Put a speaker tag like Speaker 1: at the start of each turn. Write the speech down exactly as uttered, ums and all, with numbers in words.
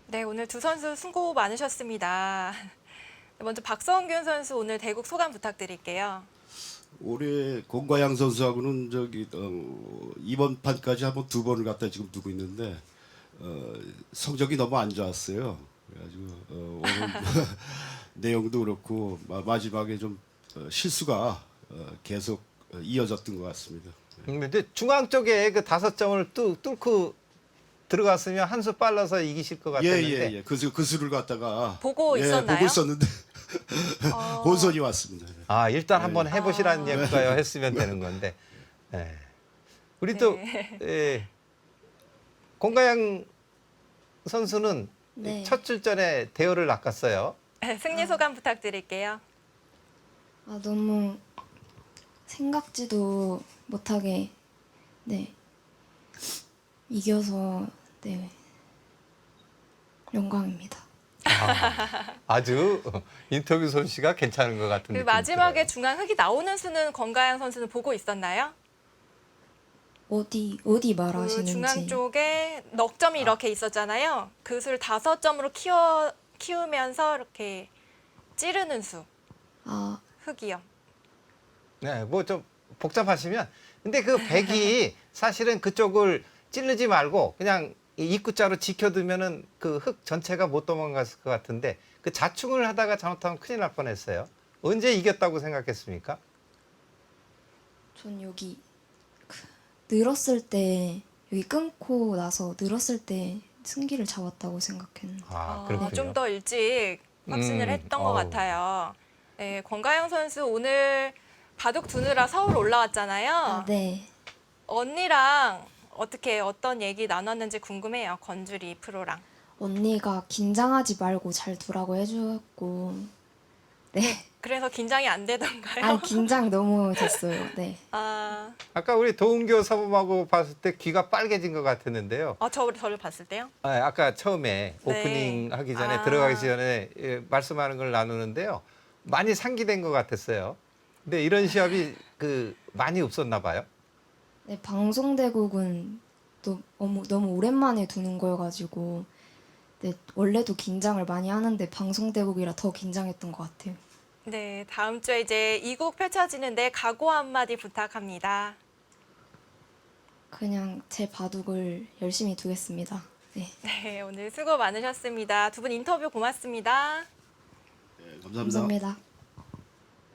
Speaker 1: 네, 오늘 두 선수 수고 많으셨습니다. 먼저 박성균 선수 오늘 대국 소감 부탁드릴게요.
Speaker 2: 올해 공과양 선수하고는 저기 어, 이번 판까지 한번 두 번을 갖다 지금 두고 있는데 어, 성적이 너무 안 좋았어요. 그래가지고 어, 오늘 내용도 그렇고 마, 마지막에 좀 어, 실수가 어, 계속 어, 이어졌던 것 같습니다.
Speaker 3: 음, 근데 중앙 쪽에 그 다섯 점을 뚫, 뚫고 들어갔으면 한 수 빨라서 이기실 것 같았는데.
Speaker 2: 예예예. 예, 예. 그, 수- 그 수를 갖다가
Speaker 1: 보고
Speaker 2: 예,
Speaker 1: 있었나요?
Speaker 2: 보고 있었는데
Speaker 1: 어,
Speaker 2: 혼선이 왔습니다.
Speaker 3: 아 일단 한번 해보시라는
Speaker 1: 아.
Speaker 3: 얘기가요 했으면 되는 건데. 예. 우리 또
Speaker 1: 네.
Speaker 3: 예, 공가양 선수는
Speaker 4: 네.
Speaker 3: 첫 출전에 대열을 낚았어요.
Speaker 1: 승리 소감 부탁드릴게요.
Speaker 4: 아, 너무 생각지도 못하게 네 이겨서 네 영광입니다.
Speaker 3: 아, 아주 인터뷰 솜씨가 괜찮은 것 같은
Speaker 1: 그
Speaker 3: 느낌이
Speaker 1: 마지막에
Speaker 3: 들어요.
Speaker 1: 중앙 흙이 나오는 수는 권가영 선수는 보고 있었나요?
Speaker 4: 어디 어디
Speaker 1: 그
Speaker 4: 말하시는지.
Speaker 1: 중앙 쪽에 넉 점이 이렇게 있었잖아요. 그 수를 다섯 점으로 키워 키우면서 이렇게 찌르는 수
Speaker 4: 아,
Speaker 1: 흙이요.
Speaker 3: 네, 뭐 좀 복잡하시면 근데 그 백이 사실은 그쪽을 찌르지 말고 그냥 이 입구자로 지켜두면은 그 흙 전체가 못 도망갔을 것 같은데 그 자충을 하다가 잘못하면 큰일 날 뻔했어요. 언제 이겼다고 생각했습니까?
Speaker 4: 전 여기 그 늘었을 때 여기 끊고 나서 늘었을 때 승기를 잡았다고 생각했는데.
Speaker 3: 아,
Speaker 1: 어,
Speaker 3: 그렇군요.
Speaker 1: 좀 더 일찍 확신을
Speaker 3: 음,
Speaker 1: 했던 것
Speaker 3: 어우.
Speaker 1: 같아요. 네, 권가영 선수 오늘 바둑 두느라 서울 올라왔잖아요.
Speaker 4: 아, 네.
Speaker 1: 언니랑 어떻게 어떤 얘기 나눴는지 궁금해요. 건주리 프로랑.
Speaker 4: 언니가 긴장하지 말고 잘 두라고 해주었고, 네.
Speaker 1: 그래서 긴장이 안 되던가요?
Speaker 4: 아, 긴장 너무 됐어요. 네.
Speaker 1: 아,
Speaker 3: 아까 우리 도은교 사범하고 봤을 때 귀가 빨개진 것 같았는데요.
Speaker 1: 어, 저, 저를 봤을 때요?
Speaker 3: 아, 아까 처음에
Speaker 1: 네.
Speaker 3: 오프닝 하기 전에
Speaker 1: 아.
Speaker 3: 들어가기 전에 예, 말씀하는 걸 나누는데요. 많이 상기된 것 같았어요. 근데 이런 시합이 그 많이 없었나 봐요.
Speaker 4: 네, 방송대국은 또 너무, 너무 오랜만에 두는 거여가지고, 네, 원래도 긴장을 많이 하는데 방송대국이라 더 긴장했던 것 같아요.
Speaker 1: 네, 다음 주에 이제 이국 펼쳐지는데 각오 한마디 부탁합니다.
Speaker 4: 그냥 제 바둑을 열심히 두겠습니다. 네.
Speaker 1: 네, 오늘 수고 많으셨습니다. 두 분 인터뷰 고맙습니다.
Speaker 2: 예, 감사합니다.
Speaker 4: 감사합니다.